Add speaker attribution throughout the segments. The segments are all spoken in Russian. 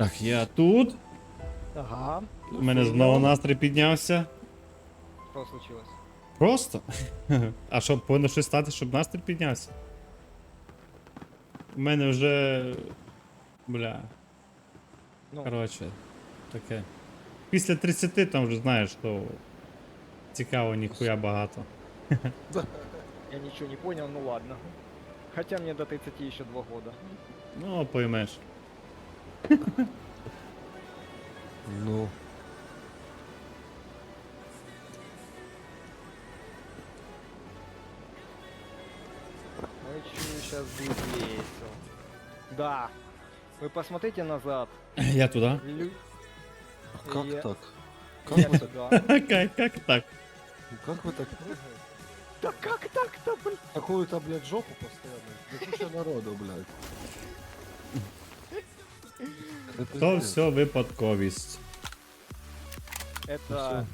Speaker 1: Так, я тут.
Speaker 2: Ага.
Speaker 1: У мене знову настрій піднявся.
Speaker 2: Что случилось?
Speaker 1: Просто. А що, повинно щось стати, щоб настрій піднявся? У мене вже. Бля.
Speaker 2: Ну,
Speaker 1: Коротше, таке. Після 30 там вже знаєш, що цікаво ніхуя багато.
Speaker 2: я ничего не понял, ну ладно. Хотя мне до 30 еще 2 года.
Speaker 1: Ну, поймеш.
Speaker 3: Ну,
Speaker 2: Ну и чую, сейчас будет весело. Да. Вы посмотрите назад.
Speaker 1: Я туди.
Speaker 3: а как
Speaker 2: Я-
Speaker 3: так?
Speaker 2: Я
Speaker 3: Как вы так?
Speaker 2: сюда.
Speaker 1: Як так?
Speaker 3: Как вы так?
Speaker 2: Да как так-то, блин?
Speaker 3: Такую-то, блядь, жопу постоянно. Да куча народу, блядь. Это
Speaker 1: То
Speaker 3: пиздец.
Speaker 1: все випадковість.
Speaker 2: Это...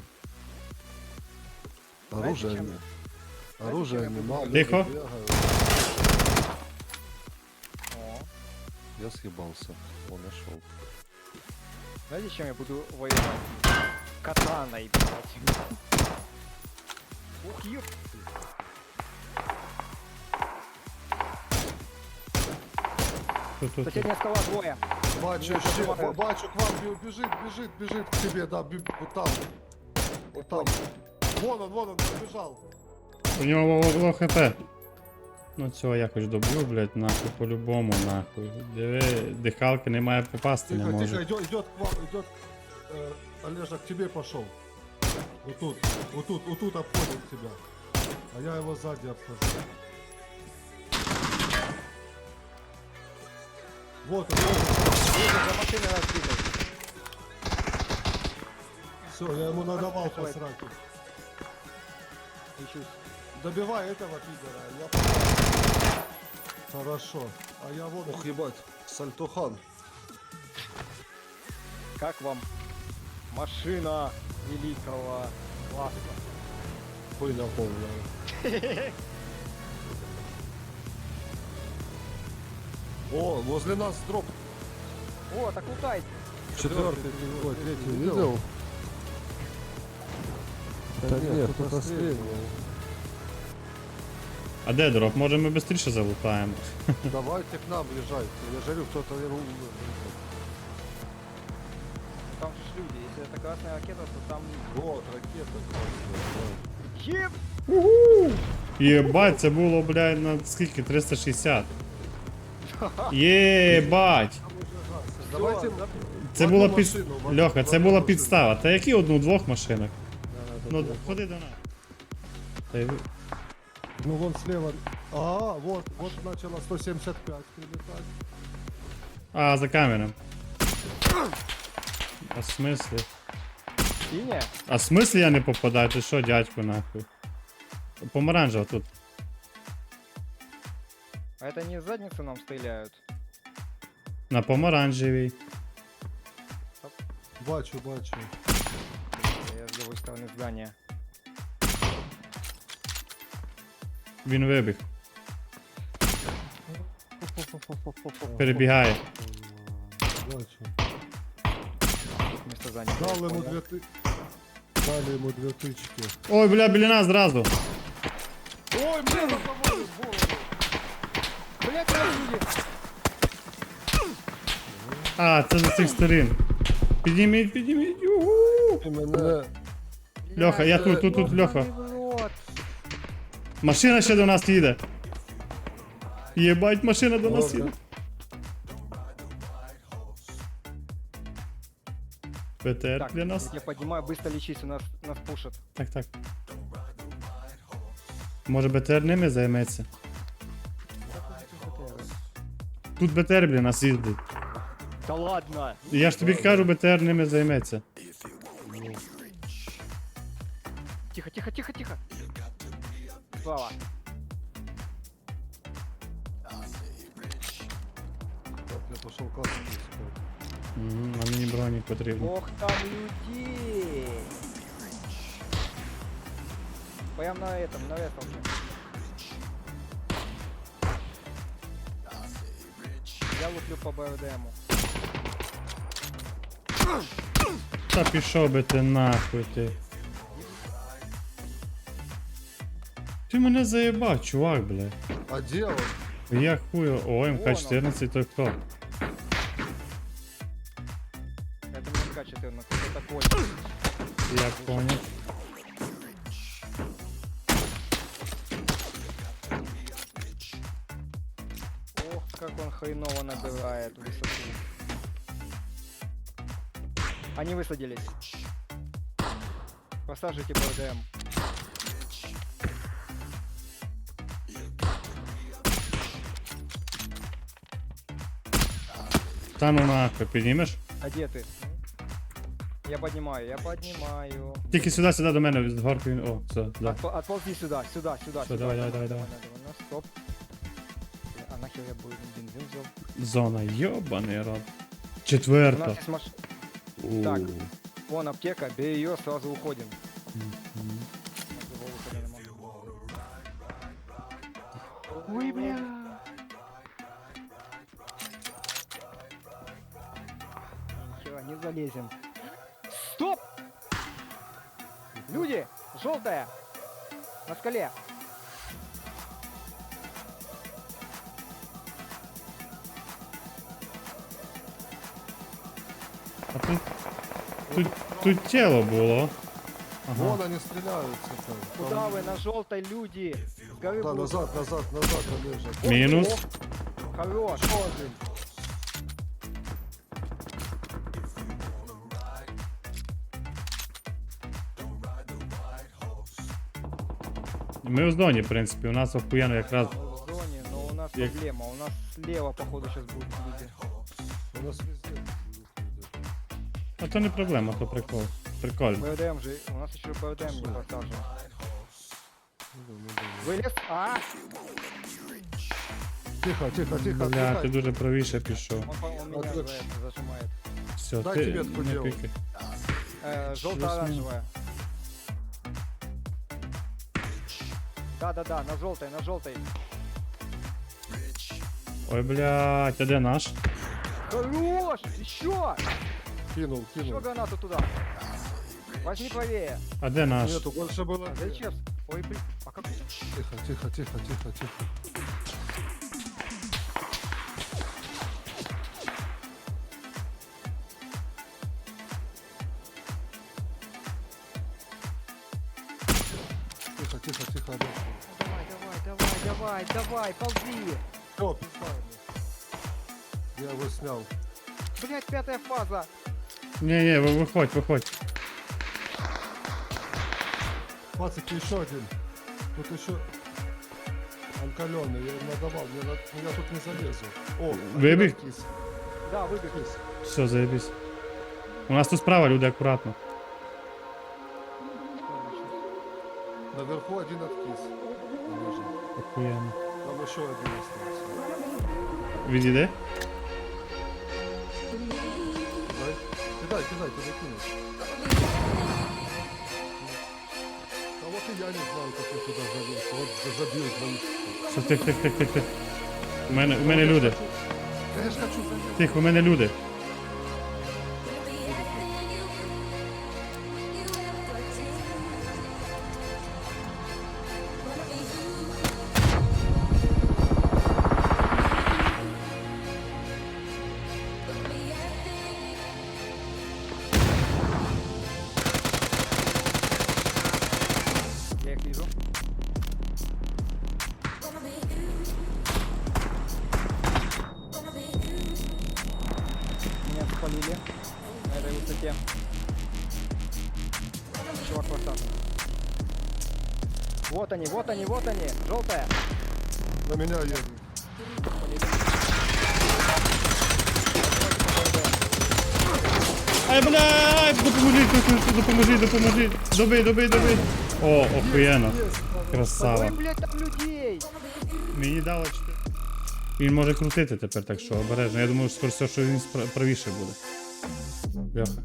Speaker 3: Оружие
Speaker 2: Знаете,
Speaker 3: не. Оружие
Speaker 2: чем я
Speaker 3: нема.
Speaker 2: буду-
Speaker 3: люди
Speaker 1: Тихо.
Speaker 3: бегают.
Speaker 2: О.
Speaker 3: Я съебался. О, нашел.
Speaker 2: Знаете, чем я буду воевать? Катаной, блядь. Ух, ёп.
Speaker 1: Тут.
Speaker 2: Соседняя скала двое.
Speaker 3: Бачу,
Speaker 2: Я
Speaker 3: ще,
Speaker 2: помогаю.
Speaker 3: бачу, к вам бежит к тебе, да, вот там. Вот там. Вон он, побежал.
Speaker 1: У нього ло хп. Ну цього якось доб'ю, блядь, нахуй, по-любому, нахуй. Диви, дихалки немає попасти не
Speaker 3: Тихо,
Speaker 1: може.
Speaker 3: тихо, идет к вам, идет. Олежа, к тебе пошел. Вот тут обходит тебя. А я его сзади обхожу. Вот он,
Speaker 2: За машиной нас двигают.
Speaker 3: все, я ему надавал по
Speaker 2: Давай.
Speaker 3: сраке.
Speaker 2: Ищусь.
Speaker 3: Добивай этого пидора, я... Хорошо. А я вот... Ох, ебать, Сальтухан.
Speaker 2: Как вам машина великого класса?
Speaker 3: Хуйня полная. О, возле нас дроп.
Speaker 2: О, так лутай.
Speaker 3: Четвертый, ой, третий видел? Да нет, кто-то стрельнул.
Speaker 1: А де дроп? Може ми швидше залутаємо?
Speaker 3: Давайте к нам езжайте. Я жарю, кто-то его...
Speaker 2: Там же ж люди. Если это красная ракета, то там...
Speaker 3: Вот, ракета.
Speaker 2: Еб!
Speaker 1: Єбать, це було, блядь, на скільки? 360. Єбать!
Speaker 3: Давайте...
Speaker 2: Всё,
Speaker 1: Це
Speaker 3: Одну
Speaker 1: була під...
Speaker 3: машину, в
Speaker 1: Льоха, це
Speaker 3: одну
Speaker 1: була
Speaker 3: машину.
Speaker 1: підстава. Та які одну-двох машинах? Ну, ходи до нас. Та й ви-
Speaker 3: Ну вон слева. А, вот начало 175 прилетать.
Speaker 1: А, за камером. А в смислі?
Speaker 2: Синяя?
Speaker 1: А в смислі я не попадаю? Ти що, дядьку, нахуй? Помаранжева тут.
Speaker 2: А это не в задницу нам стреляют?
Speaker 1: На помаранжевій.
Speaker 3: Бачу.
Speaker 2: Я с другой стороны здания.
Speaker 1: Він вибіг. Перебігає.
Speaker 3: Бачу.
Speaker 2: Вместо здания.
Speaker 3: Дал ему
Speaker 2: Понял.
Speaker 3: Дали ему 2 тычки.
Speaker 1: Ой, бля, біля нас зразу.
Speaker 3: Ой, мне разговаривают в голову.
Speaker 2: Блять, люди!
Speaker 1: А, це з цих сторін. Підніміть. Югу.
Speaker 3: И мене...
Speaker 1: Льоха, я тут, Льоха.
Speaker 2: Вот.
Speaker 1: Машина ще до нас їде. Єбать, машина до нас
Speaker 3: Ладно.
Speaker 1: їде. ПТР
Speaker 2: Так,
Speaker 1: для нас.
Speaker 2: я поднимаю, быстро лечись, у нас пушат.
Speaker 1: Так. Може БТР ними займеться? Тут БТР для нас їздить.
Speaker 2: Да ладно!
Speaker 1: Я ж тобі кажу, БТР ними займеться.
Speaker 2: Тихо. Слава.
Speaker 3: Так, я пошел кассу искать.
Speaker 1: А мені броні потрібно.
Speaker 2: Ох там людей! Прям на этом уже. Я луплю по БРДМу.
Speaker 1: Та пішов би ти нахуй ти. Ти мене заєбав, чувак, блядь.
Speaker 3: А где он?
Speaker 1: Я хую. О, МК-14, то хто?
Speaker 2: Это не МК-14, это Коль.
Speaker 1: Я понял.
Speaker 2: Ох, как он хреново набирает высоту. Они высадились. Посажите БДМ.
Speaker 1: Та ну нахуй, піднімеш?
Speaker 2: А где ты? Я поднимаю, я поднимаю.
Speaker 1: Тільки сюди до мене, з горки він. О, все, да.
Speaker 2: Отползи сюда, сюда, сюда.
Speaker 1: Всё,
Speaker 2: сюда.
Speaker 1: давай.
Speaker 2: Ну, стоп. А нахер я буду бензин взял?
Speaker 1: Зона, йобаний рот.
Speaker 2: У нас
Speaker 1: Четверта.
Speaker 2: есть маш...
Speaker 1: У.
Speaker 2: Так. Вон аптека, бери ее, сразу уходим.
Speaker 1: Мгм.
Speaker 2: Его выхода не могу. Ой, бля. Нихера, не залезем. Стоп! Люди! Желтая! На скале!
Speaker 1: А тут тіло було. Ага.
Speaker 3: Вон они стреляются там.
Speaker 2: Куда вы? На желтой люди! С горы
Speaker 3: Да,
Speaker 2: будут-
Speaker 3: назад, Олежа.
Speaker 1: Мінус.
Speaker 2: Хорош!
Speaker 3: Еще один.
Speaker 1: Ми в зоні, в принципі, у нас охуєнно якраз.
Speaker 2: В зоне, но у нас
Speaker 1: Я-
Speaker 2: проблема. У нас слева, походу, сейчас будут люди.
Speaker 3: У нас везде.
Speaker 1: А то не проблема, то прикол. Прикольно.
Speaker 2: БДМ же, у нас еще БДМ не посажен. Вылез? А!
Speaker 3: Тихо.
Speaker 1: Бля, ти дуже правіше пішов.
Speaker 2: Он меня за это зажимает.
Speaker 1: Все,
Speaker 3: Дай
Speaker 1: ти
Speaker 3: тебе таку
Speaker 1: не
Speaker 3: діло.
Speaker 1: пікай.
Speaker 2: Желто-оранжевая. Да, на желтой.
Speaker 1: Ой, блядь, а де наш?
Speaker 2: Хорош! Еще!
Speaker 3: Кинул.
Speaker 2: Еще гранату туда. Возьми правее.
Speaker 1: А де наш?
Speaker 3: Нету, больше было.
Speaker 2: Зачем? Ой, блин. А как?
Speaker 3: Тихо. Тихо,
Speaker 2: Давай, ползи!
Speaker 3: Все, пизда ему. Я его снял.
Speaker 2: Блять, 5-я фаза!
Speaker 1: Не, виходь.
Speaker 3: Пацики, еще один. Тут еще анкаленный, я ему надавал, я тут не залезу. О,
Speaker 1: Выбег?
Speaker 3: один откис.
Speaker 2: Да, выбег.
Speaker 1: Все, заєбісь. У нас тут справа, люди, акуратно.
Speaker 3: Наверху один откис. Ниже.
Speaker 1: Охуєнно.
Speaker 3: Там еще один остался.
Speaker 1: Відійди.
Speaker 3: Кидай, туда кинешь. А вот и я не знаю, как я туда залез. Вот забил двоих.
Speaker 1: Все, тих. У мене люди.
Speaker 3: Я же хочу залезть.
Speaker 1: Тихо, у мене люди.
Speaker 2: Я их вижу. Меня спалили на этой высоте. Чувак посадка. Вот они, желтая.
Speaker 3: На меня едут.
Speaker 1: Ай, блядь, допоможіть. Доби. О, охуєнно. Красава.
Speaker 2: Ой, блядь, там людей!
Speaker 1: Мені дало 4. Він може крутити тепер, так що обережно. Я думаю, скоро все, що він правіше буде. Бляха.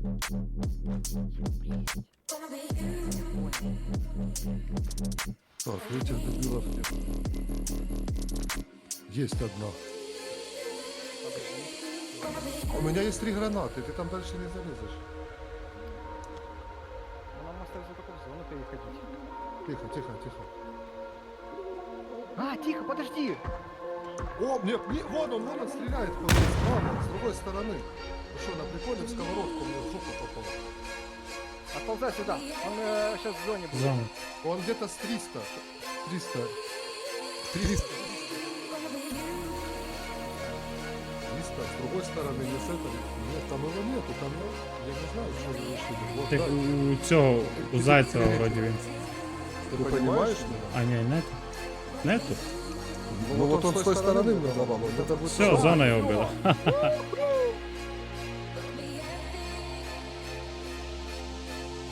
Speaker 3: Так, этих дебилов нет. Есть одна. У меня есть 3 гранаты, ты там дальше не залезешь.
Speaker 2: Ну, нам остается только в зону переходить.
Speaker 3: Тихо, тихо, тихо.
Speaker 2: А, тихо, подожди!
Speaker 3: О, вон он стреляет справа, с другой стороны. Ну что, на приколе в сковородку мне в жопу попал.
Speaker 2: Отползай сюда, он сейчас в зоне будет.
Speaker 1: Зону.
Speaker 3: Он где-то с 300. 300. 300. 300, с другой стороны, не с этой. Нет, там его нету, там я не знаю, что вы решили. Вот,
Speaker 1: Ти
Speaker 3: да.
Speaker 1: у цього, у Зайцева вроді він.
Speaker 3: Ты понимаешь меня?
Speaker 1: А ні, нету. Нету?
Speaker 3: Ну вот он с той стороны мне давал, вот это будет...
Speaker 1: Все, зона його вбила.